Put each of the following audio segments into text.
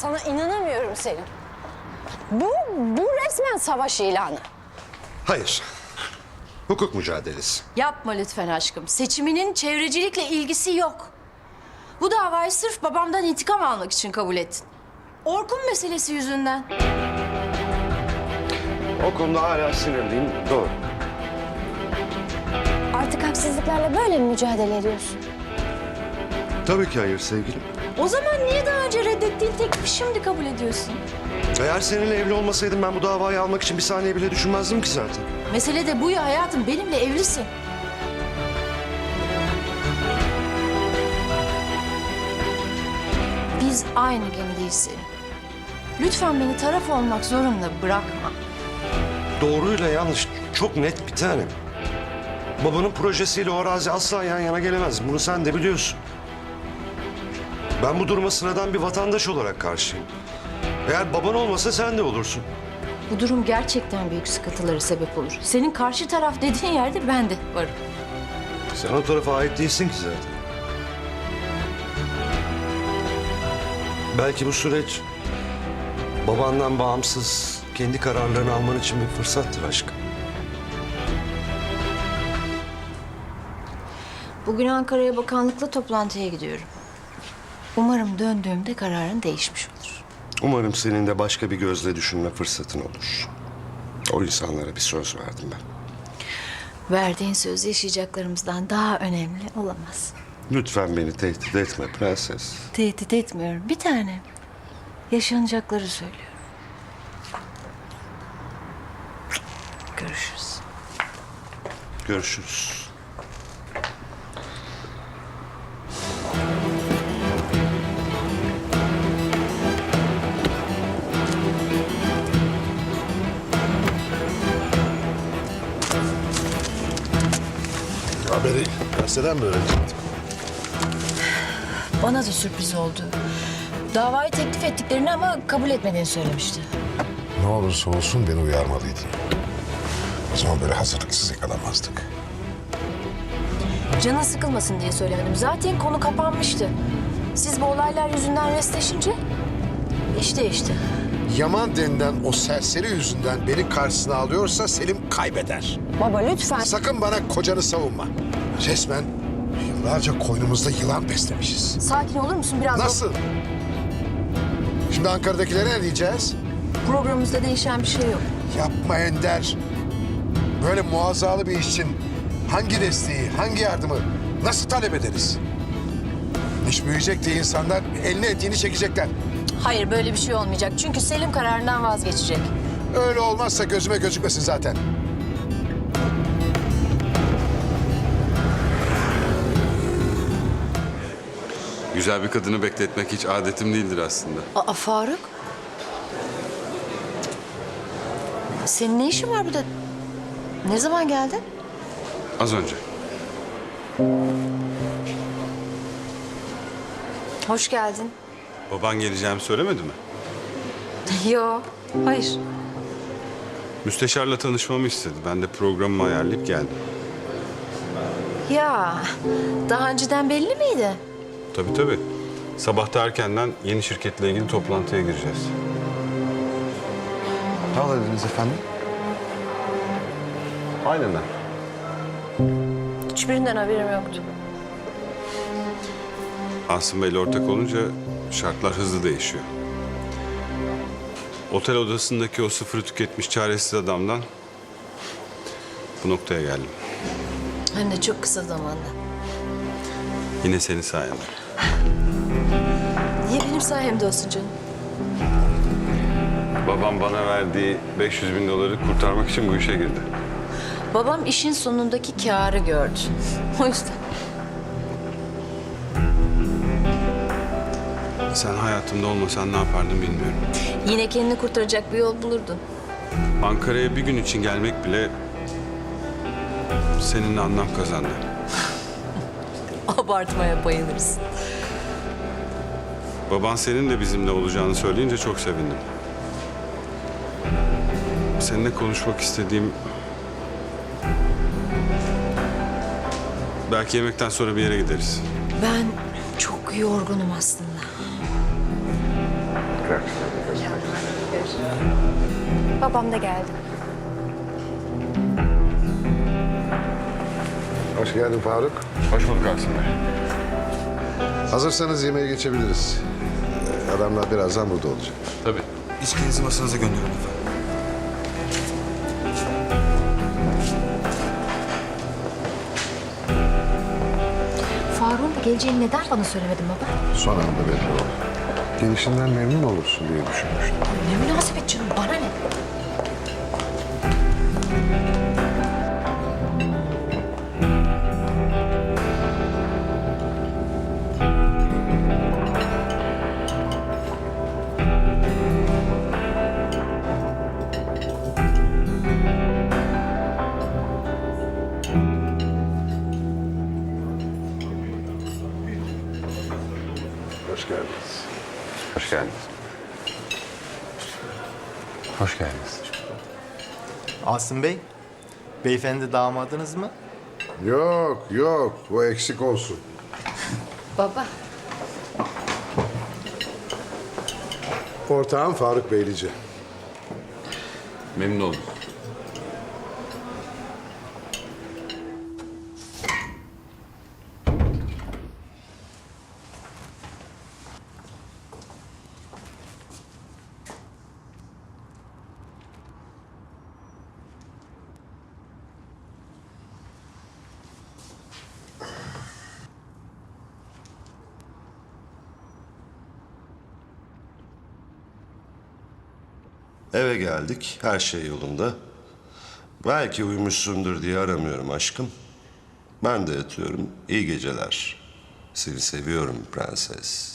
Sana inanamıyorum Selim. Bu resmen savaş ilanı. Hayır. Hukuk mücadelesi. Yapma lütfen aşkım. Seçiminin çevrecilikle ilgisi yok. Bu davayı sırf babamdan intikam almak için kabul ettin. Orkun meselesi yüzünden. O konuda hala sinirliyim. Doğru. Artık haksızlıklarla böyle mi mücadele ediyorsun? Tabii ki hayır sevgilim. O zaman niye daha önce reddettiğin teklifi şimdi kabul ediyorsun? Eğer seninle evli olmasaydım ben bu davayı almak için bir saniye bile düşünmezdim ki zaten. Mesele de bu ya hayatım. Benimle evlisin. Biz aynı gemideyiz Selim. Lütfen beni taraf olmak zorunda bırakma. Doğruyla yanlış çok net bir tane. Babanın projesiyle o arazi asla yan yana gelemez. Bunu sen de biliyorsun. Ben bu duruma sıradan bir vatandaş olarak karşıyım. Eğer baban olmasa sen de olursun. Bu durum gerçekten büyük sıkıntılara sebep olur. Senin karşı taraf dediğin yerde ben de varım. Sen o tarafa ait değilsin ki zaten. Belki bu süreç babandan bağımsız kendi kararlarını alman için bir fırsattır aşkım. Bugün Ankara'ya bakanlıkla toplantıya gidiyorum. Umarım döndüğümde kararın değişmiş olur. Umarım senin de başka bir gözle düşünme fırsatın olur. O insanlara bir söz verdim ben. Verdiğin söz yaşayacaklarımızdan daha önemli olamaz. Lütfen beni tehdit etme prenses. Tehdit etmiyorum. Bir tane. Yaşanacakları söylüyorum. Görüşürüz. Görüşürüz. Haberi gazeteden mi öğrenecektik? Bana da sürpriz oldu. Davayı teklif ettiklerini ama kabul etmediğini söylemişti. Ne olursa olsun beni uyarmalıydın. O zaman böyle hazırlıksız yakalanmazdık. Canın sıkılmasın diye söylemedim. Zaten konu kapanmıştı. Siz bu olaylar yüzünden restleşince iş değişti. Yaman denilen o serseri yüzünden beni karşısına alıyorsa Selim kaybeder. Baba lütfen. Sakın bana kocanı savunma. Resmen yıllarca koynumuzda yılan beslemişiz. Sakin olur musun biraz? Nasıl? Şimdi Ankara'dakilere ne diyeceğiz? Programımızda değişen bir şey yok. Yapma Ender. Böyle muazzalı bir iş için hangi desteği, hangi yardımı nasıl talep ederiz? İş büyüyecek diye insanlar eline etiğini çekecekler. Hayır böyle bir şey olmayacak. Çünkü Selim kararından vazgeçecek. Öyle olmazsa gözüme gözükmesin zaten. Güzel bir kadını bekletmek hiç adetim değildir aslında. Aa Faruk. Senin ne işin var burada? Ne zaman geldin? Az önce. Hoş geldin. Baban geleceğimi söylemedi mi? Yo, hayır. Müsteşarla tanışmamı istedi. Ben de programımı ayarlayıp geldim. Ya, daha önceden belli miydi? Tabii tabii. Sabah da erkenden yeni şirketle ilgili toplantıya gireceğiz. Ne aladınız efendim? Aynen. Hiçbirinden haberim yoktu. Asım Bey'le ortak olunca şartlar hızlı değişiyor. Otel odasındaki o sıfırı tüketmiş çaresiz adamdan bu noktaya geldim. Hem de çok kısa zamanda. Yine senin sayende. Niye benim sayemde olsun canım? Babam bana verdiği 500 bin doları kurtarmak için bu işe girdi. Babam işin sonundaki kârı gördü. O yüzden. Sen hayatımda olmasan ne yapardım bilmiyorum. Yine kendini kurtaracak bir yol bulurdun. Ankara'ya bir gün için gelmek bile seninle anlam kazandı. Abartmaya bayılırız. Baban senin de bizimle olacağını söyleyince çok sevindim. Seninle konuşmak istediğim... Belki yemekten sonra bir yere gideriz. Ben çok yorgunum aslında. Tekrar. Babam da geldi. Hoş geldin Faruk. Hoş bulduk Asım Bey. Hazırsanız yemeğe geçebiliriz. Adamlar birazdan burada olacak. Tabii. İçkinizi masanıza gönderiyorum efendim. Faruk'un da geleceğini neden bana söylemedin baba? Son anda belli oldu. Gelişinden memnun olursun diye düşünmüştüm. Ne münasebet canım, bana ne? Hoş geldiniz. Hoş geldiniz. Hoş geldiniz. Asım Bey, beyefendi damadınız mı? Yok, yok. Bu eksik olsun. Baba. Ortağım Faruk Beylici. Memnun oldum. Eve geldik, her şey yolunda. Belki uyumuşsundur diye aramıyorum aşkım. Ben de yatıyorum. İyi geceler. Seni seviyorum prenses.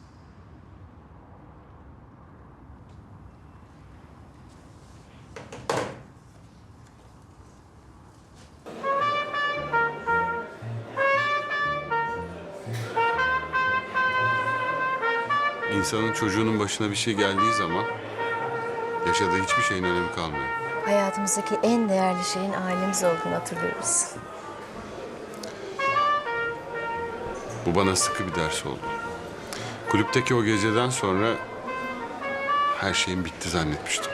İnsanın çocuğunun başına bir şey geldiği zaman yaşadığı hiçbir şeyin önemi kalmıyor. Hayatımızdaki en değerli şeyin ailemiz olduğunu hatırlıyoruz. Bu bana sıkı bir ders oldu. Kulüpteki o geceden sonra her şeyin bitti zannetmiştim.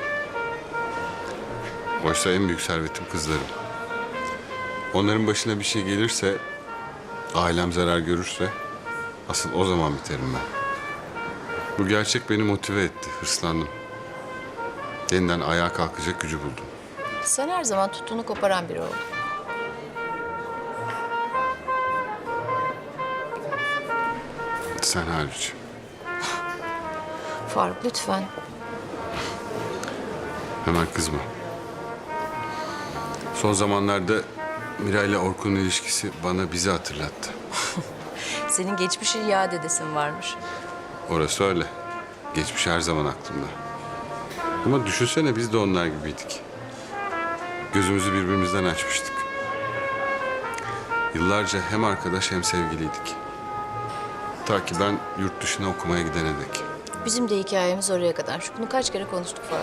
Oysa en büyük servetim kızlarım. Onların başına bir şey gelirse, ailem zarar görürse asıl o zaman biterim ben. Bu gerçek beni motive etti, hırslandım. Yeniden ayağa kalkacak gücü buldum. Sen her zaman tuttuğunu koparan biri oldun. Sen hariç. Faruk lütfen. Hemen kızma. Son zamanlarda Mira ile Orkun'un ilişkisi bana bizi hatırlattı. Senin geçmişi yad edesin varmış. Orası öyle. Geçmiş her zaman aklımda. Ama düşünsene biz de onlar gibiydik. Gözümüzü birbirimizden açmıştık. Yıllarca hem arkadaş hem sevgiliydik. Ta ki ben yurt dışına okumaya gidene dek. Bizim de hikayemiz oraya kadar. Bunu kaç kere konuştuk Faruk.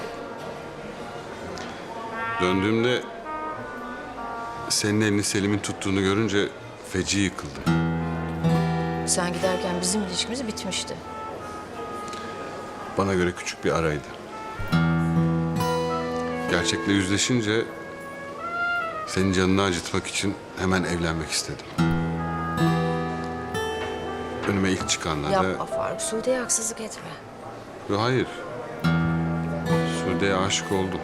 Döndüğümde senin elini Selim'in tuttuğunu görünce feci yıkıldı. Sen giderken bizim ilişkimiz bitmişti. Bana göre küçük bir araydı. Gerçekle yüzleşince senin canını acıtmak için hemen evlenmek istedim. Önüme ilk çıkanlarda... Yapma Faruk. Sude'ye haksızlık etme. Yo, hayır. Sude'ye aşık oldum.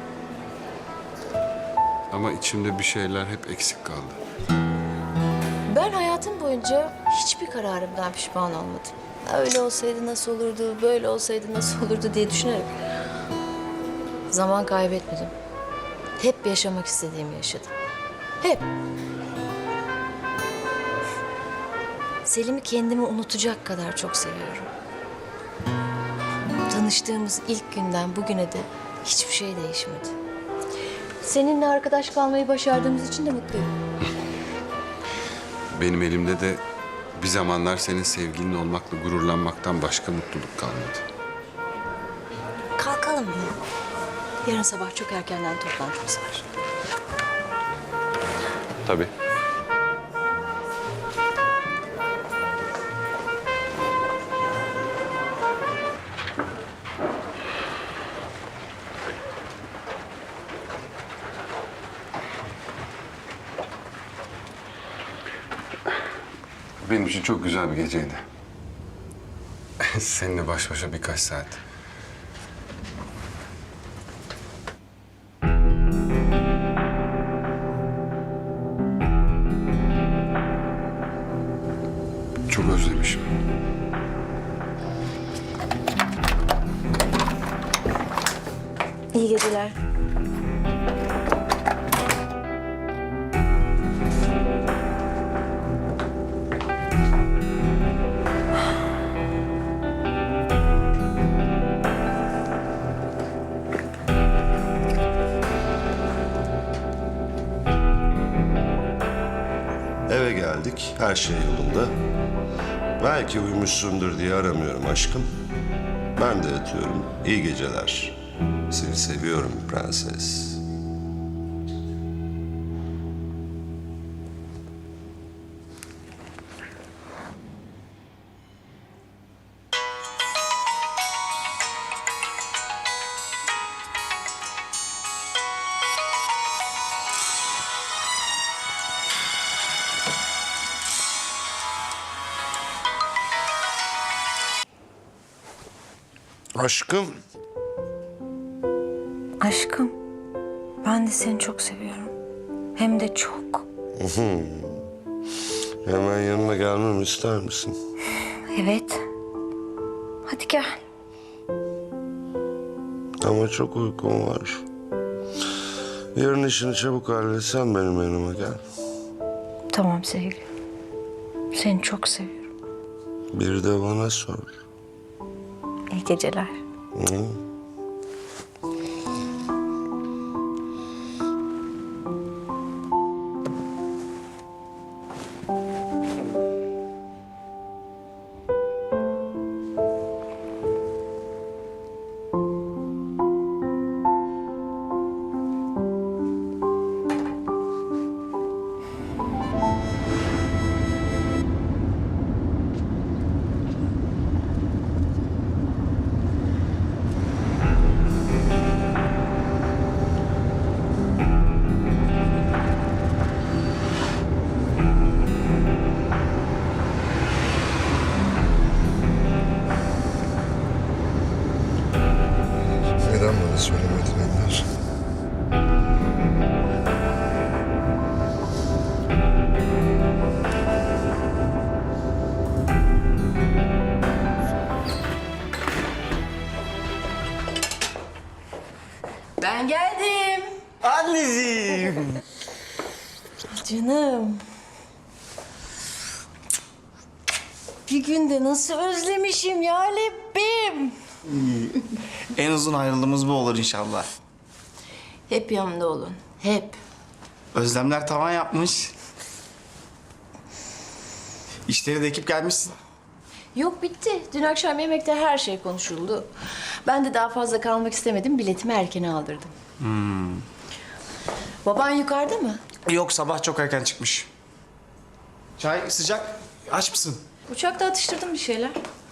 Ama içimde bir şeyler hep eksik kaldı. Ben hayatım boyunca hiçbir kararımdan pişman olmadım. Öyle olsaydı nasıl olurdu, böyle olsaydı nasıl olurdu diye düşünerek. Zaman kaybetmedim. Hep yaşamak istediğimi yaşadım. Hep. Selim'i kendimi unutacak kadar çok seviyorum. Tanıştığımız ilk günden bugüne de hiçbir şey değişmedi. Seninle arkadaş kalmayı başardığımız için de mutluyum. Benim elimde de bir zamanlar senin sevgilin olmakla gururlanmaktan başka mutluluk kalmadı. Kalkalım mı? Yarın sabah çok erkenden toplantımız var. Tabii. Benim için çok güzel bir geceydi. Seninle baş başa birkaç saat. Çok özlemişim. İyi geceler. Eve geldik, her şey yolunda. Belki uyumuşsundur diye aramıyorum aşkım. Ben de yatıyorum. İyi geceler. Seni seviyorum prenses. Aşkım. Aşkım, ben de seni çok seviyorum. Hem de çok. Hemen yanına gelmemi ister misin? Evet. Hadi gel. Ama çok uykum var. Yarın işini çabuk halletsen benim yanıma gel. Tamam sevgilim. Seni çok seviyorum. Bir de bana sor. İyi geceler. Neden bana söylemedin Ender? Ben geldim. Anneciğim. Canım. Bir günde nasıl özlemişim ya Lebbim. En uzun ayrılığımız bu olur inşallah. Hep yanımda olun. Hep. Özlemler tavan yapmış. İşleri de ekip gelmişsin. Yok bitti. Dün akşam yemekte her şey konuşuldu. Ben de daha fazla kalmak istemedim. Biletimi erkene aldırdım. Baban yukarıda mı? Yok sabah çok erken çıkmış. Çay sıcak. Aç mısın? Uçakta atıştırdım bir şeyler.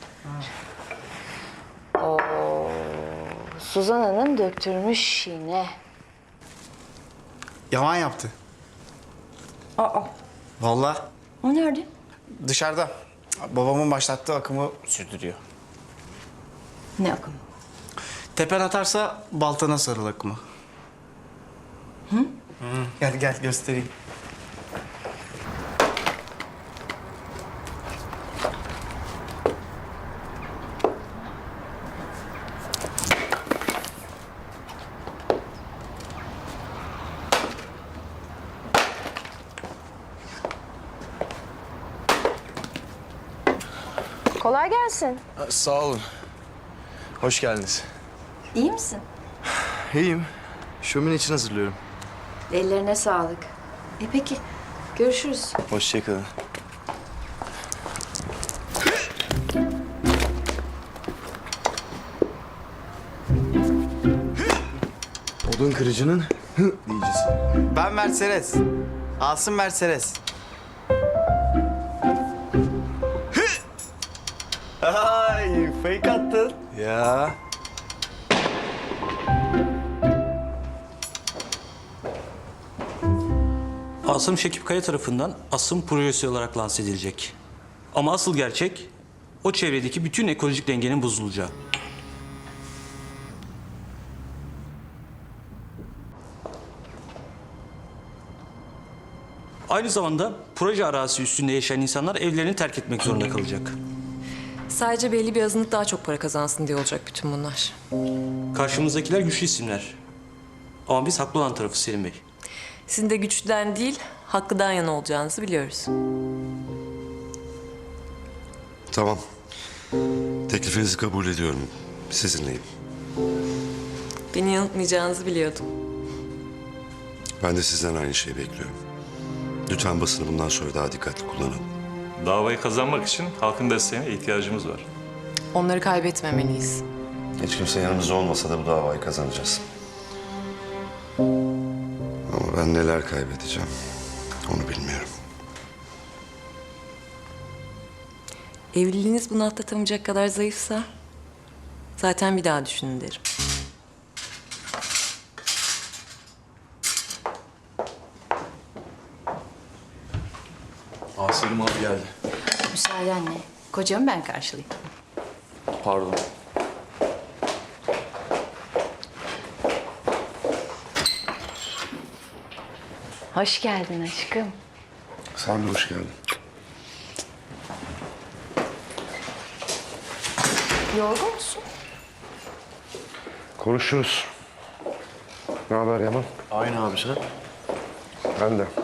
Suzan Hanım döktürmüş yine. Yaman yaptı. Aa, Vallahi o nerede? dışarıda. Babamın başlattığı akımı sürdürüyor. Ne akım? Tepen atarsa baltana sarıl akımı. Hı? Gel gel göstereyim. Kolay gelsin. Sağ olun. Hoş geldiniz. İyi misin? İyiyim. Şömine için hazırlıyorum. Ellerine sağlık. Peki, görüşürüz. Hoşçakalın. Odun kırıcının diyeceğiz. Ben Mercedes. Asım Mercedes. Ay fake attın. Ya. Asım Şekip Kaya tarafından Asım projesi olarak lanse edilecek. Ama asıl gerçek o çevredeki bütün ekolojik dengenin bozulacağı. Aynı zamanda proje arazisi üstünde yaşayan insanlar evlerini terk etmek zorunda kalacak. Sadece belli bir azınlık daha çok para kazansın diye olacak bütün bunlar. Karşımızdakiler güçlü isimler. Ama biz haklı olan tarafı Selim Bey. Sizin de güçlüden değil, haklıdan yana olacağınızı biliyoruz. Tamam. Teklifinizi kabul ediyorum. Sizinleyim. Beni yanıltmayacağınızı biliyordum. Ben de sizden aynı şeyi bekliyorum. Lütfen basını bundan sonra daha dikkatli kullanın. Davayı kazanmak için halkın desteğine ihtiyacımız var. Onları kaybetmemeliyiz. Hiç kimse yanımızda olmasa da bu davayı kazanacağız. Ama ben neler kaybedeceğim onu bilmiyorum. Evliliğiniz bunu atlatamayacak kadar zayıfsa zaten bir daha düşünün derim. Selim abi geldi. Müsaadenle. Kocamı ben karşılayayım. Pardon. Hoş geldin aşkım. Sen de hoş geldin. Yorgun musun? Konuşuruz. Ne haber Yaman? Aynı abi sen. Ben de.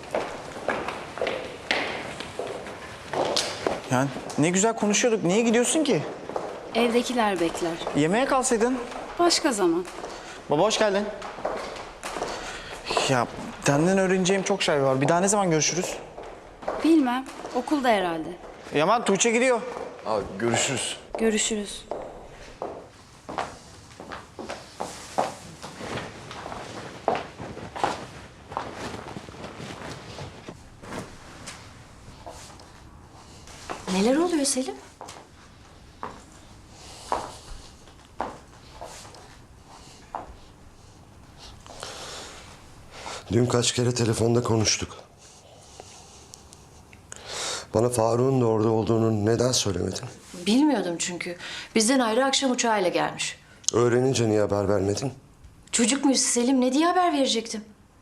Yani ne güzel konuşuyorduk. Niye gidiyorsun ki? Evdekiler bekler. Yemeğe kalsaydın. Başka zaman. Baba hoş geldin. Ya senden öğreneceğim çok şey var. Bir daha ne zaman görüşürüz? Bilmem. Okulda herhalde. Yaman Tuğçe gidiyor. Abi görüşürüz. Görüşürüz. Neler oluyor Selim? Dün kaç kere telefonda konuştuk. Bana Faruk'un da orada olduğunu neden söylemedin? Bilmiyordum çünkü. Bizden ayrı akşam uçağıyla gelmiş. Öğrenince niye haber vermedin? Çocuk muyuz Selim? Ne diye haber verecektim?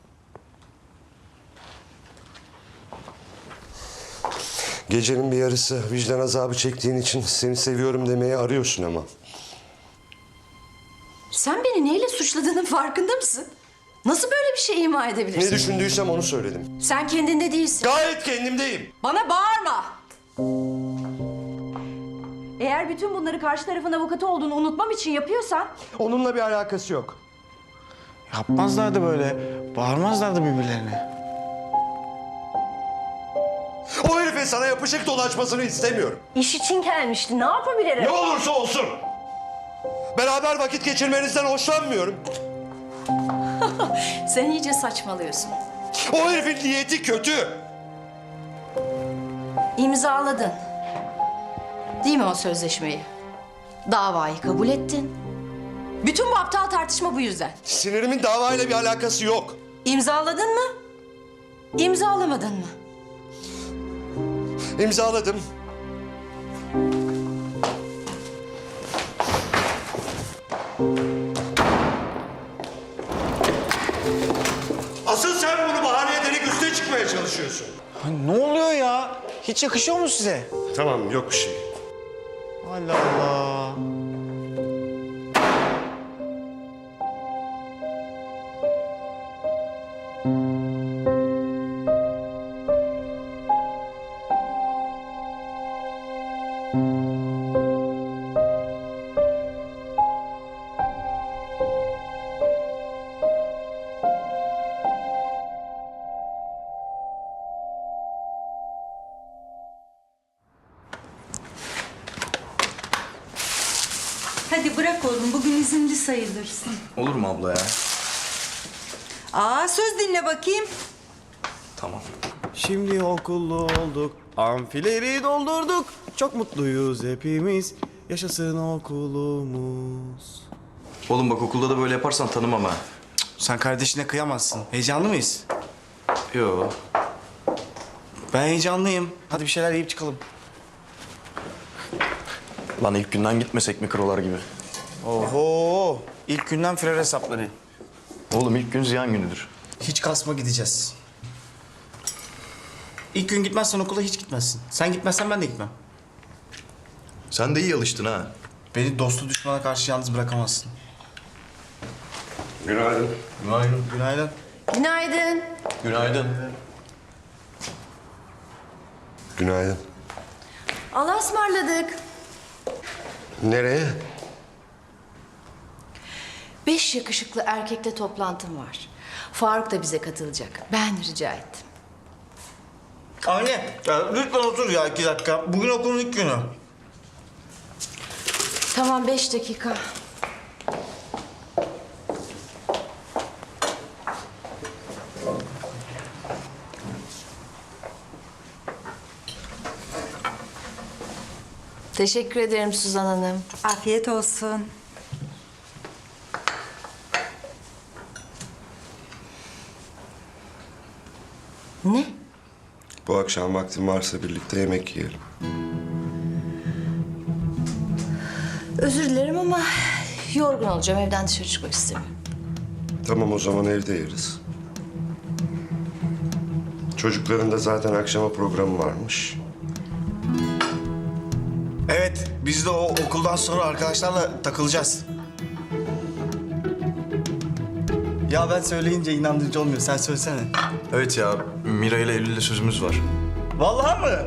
Gecenin bir yarısı vicdan azabı çektiğin için seni seviyorum demeye arıyorsun ama. Sen beni neyle suçladığının farkında mısın? Nasıl böyle bir şey ima edebilirsin? Ne düşündüysem onu söyledim. Sen kendinde değilsin. Gayet kendimdeyim. Bana bağırma. Eğer bütün bunları karşı tarafın avukatı olduğunu unutmam için yapıyorsan... Onunla bir alakası yok. Yapmazlardı böyle. Bağırmazlardı birbirlerine. O herifin sana yapışık dolaşmasını istemiyorum. İş için gelmişti. Ne yapabilirim? Ne olursa olsun. Beraber vakit geçirmenizden hoşlanmıyorum. Sen iyice saçmalıyorsun. O herifin niyeti kötü. İmzaladın. Değil mi o sözleşmeyi? Davayı kabul ettin. Bütün bu aptal tartışma bu yüzden. Sinirimin davayla bir alakası yok. İmzaladın mı? İmzalamadın mı? İmzaladım. Asıl sen bunu bahane ederek üste çıkmaya çalışıyorsun. Ha, ne oluyor ya? Hiç yakışıyor mu size? Tamam, yok bir şey. Allah Allah. Hadi bırak oğlum, bugün izinli sayılırsın. Olur mu abla ya? Aa, söz dinle bakayım. Tamam. Şimdi okullu olduk, amfileri doldurduk. Çok mutluyuz hepimiz, yaşasın okulumuz. Oğlum bak okulda da böyle yaparsan tanımam ha. Sen kardeşine kıyamazsın. Heyecanlı mıyız? Yo. Ben heyecanlıyım. Hadi bir şeyler yiyip çıkalım. Lan ilk günden gitmesek mikrolar gibi. Oho. İlk günden firar hesapları. Oğlum ilk gün ziyan günüdür. Hiç kasma gideceğiz. İlk gün gitmezsen okula hiç gitmezsin. Sen gitmezsen ben de gitmem. Sen de iyi alıştın ha. Beni dostu düşmana karşı yalnız bırakamazsın. Günaydın. Günaydın. Günaydın. Günaydın. Günaydın. Günaydın. Allah'a ısmarladık. Nereye? 5 yakışıklı erkekle toplantım var. Faruk da bize katılacak. Ben rica ettim. Anne, ya lütfen otur ya 2 dakika. Bugün okulun ilk günü. Tamam 5 dakika. Teşekkür ederim Suzan Hanım. Afiyet olsun. Ne? Bu akşam vaktin varsa birlikte yemek yiyelim. Özür dilerim ama yorgun olacağım. Evden dışarı çıkmak istemiyorum. Tamam o zaman evde yeriz. Çocukların da zaten akşama programı varmış. Evet, biz de o okuldan sonra arkadaşlarla takılacağız. Ya ben söyleyince inandırıcı olmuyor. Sen söylesene. Evet ya, Mira ile Eylül'le sözümüz var. Vallahi mı?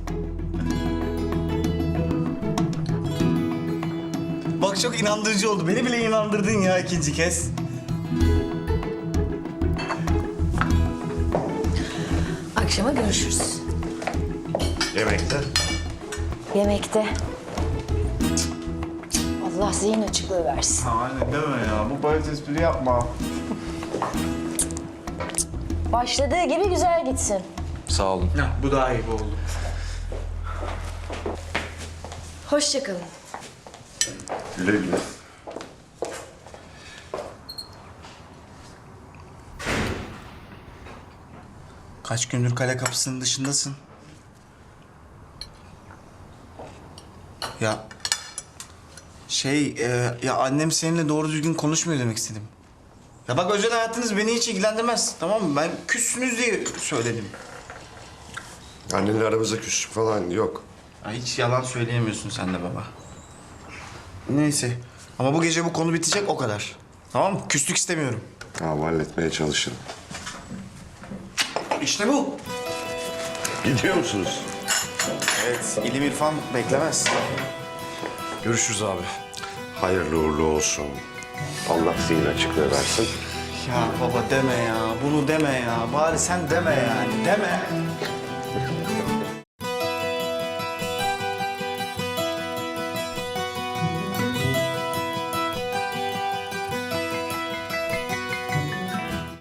Bak çok inandırıcı oldu. Beni bile inandırdın ya ikinci kez. Akşama görüşürüz. Yemekte. Yemekte. Allah zihin açıklığı versin. Anne deme ya. Bu bayat espri yapma. Başladığı gibi güzel gitsin. Sağ olun. Bu daha iyi oldu. Hoşça kalın. Güle güle. Kaç gündür kale kapısının dışındasın? Ya ya annem seninle doğru düzgün konuşmuyor demek istedim. Ya bak özel hayatınız beni hiç ilgilendirmez, tamam mı? Ben küssünüz diye söyledim. Annenle aramızda küslük falan yok. Ya hiç yalan söyleyemiyorsun sen de baba. Neyse ama bu gece bu konu bitecek o kadar. Tamam mı? Küslük istemiyorum. Tamam halletmeye çalışırım. İşte bu. Gidiyor musunuz? Evet, ilim irfan beklemez. Görüşürüz abi. Hayırlı uğurlu olsun. Allah zihin açıklığı versin. Ya baba deme ya, bunu deme ya. Bari sen deme yani, deme.